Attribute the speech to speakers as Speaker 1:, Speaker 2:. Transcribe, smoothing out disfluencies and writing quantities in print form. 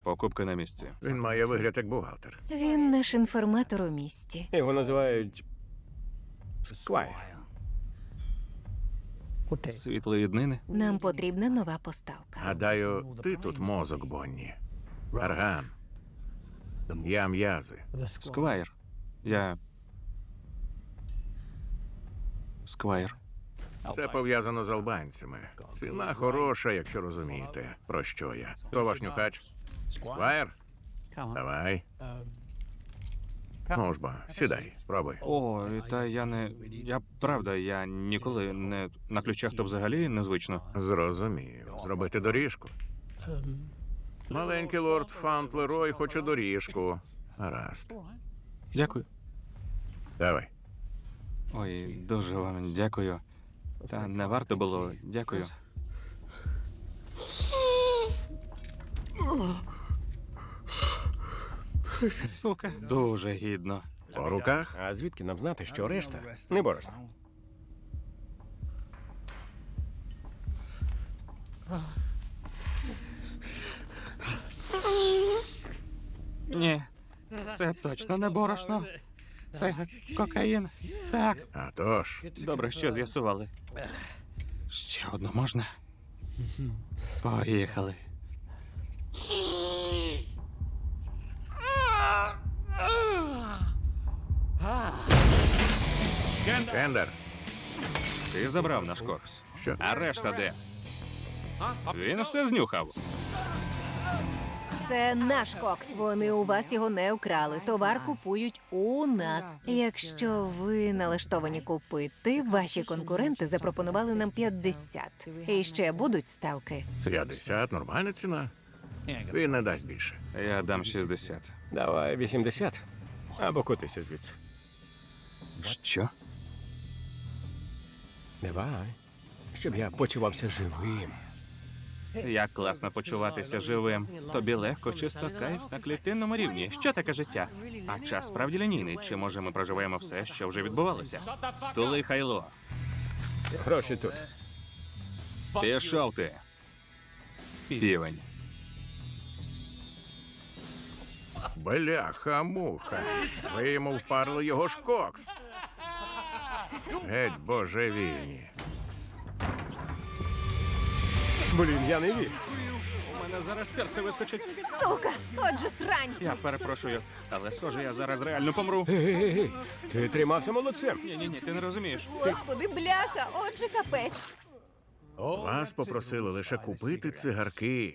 Speaker 1: Покупки на місці.
Speaker 2: Він має вигляд як бухгалтер.
Speaker 3: Він наш інформатор у місті.
Speaker 4: Його називають Сквайр.
Speaker 1: Світлої днини.
Speaker 3: Нам потрібна нова поставка.
Speaker 2: Гадаю, ти тут мозок, Бонні. Арган. Я м'язи.
Speaker 1: Сквайр. Я. Сквайр.
Speaker 2: Це пов'язано з албанцями. Ціна хороша, якщо розумієте, про що я. Хто ваш нюхач? Сквайр? Давай. Ну ж бо, сідай, спробуй.
Speaker 1: О, та я не. Я ніколи не на ключах, то взагалі незвично.
Speaker 2: Зрозумів. Зробити доріжку. Маленький лорд Фаунтлерой хоче доріжку. Гаразд.
Speaker 1: Дякую.
Speaker 2: Давай.
Speaker 1: Ой, дуже вам дякую. Та не варто було. Дякую. Сука. Дуже гідно.
Speaker 2: По руках?
Speaker 4: А звідки нам знати, що решта не борошно?
Speaker 1: Ні. Це точно не борошно. Це кокаїн. Так.
Speaker 2: А тож.
Speaker 1: Добре, що з'ясували. Ще одну можна? Поїхали.
Speaker 2: Кендер.
Speaker 1: Ти забрав наш кокс.
Speaker 2: Що?
Speaker 1: А решта де? Він все знюхав.
Speaker 3: Це наш кокс. Вони у вас його не вкрали. Товар купують у нас. Якщо ви налаштовані купити, ваші конкуренти запропонували нам 50. І ще будуть ставки.
Speaker 2: 50 – нормальна ціна. Він не дасть більше.
Speaker 1: Я дам 60.
Speaker 4: Давай 80. Або котися звідси.
Speaker 1: Що?
Speaker 4: Давай. Щоб я почувався живим.
Speaker 1: Як класно почуватися живим. Тобі легко, чисто кайф на клітинному рівні. Що таке життя? А час справді лінійний. Чи може ми проживаємо все, що вже відбувалося? Стули, Хайло.
Speaker 4: Гроші тут.
Speaker 1: Пішов ти. Півень.
Speaker 2: Бляха-муха. Ви йому впарили його ж кокс. Геть божевільні.
Speaker 4: Блін, я не вірю.
Speaker 1: У мене зараз серце вискочить.
Speaker 3: Сука! Отже, срань!
Speaker 1: Я перепрошую, але схоже, я зараз реально помру.
Speaker 4: Ей, ти тримався молодцем.
Speaker 1: Ні, ти не розумієш.
Speaker 3: Господи, бляха! Отже, капець!
Speaker 2: Вас попросили лише купити цигарки.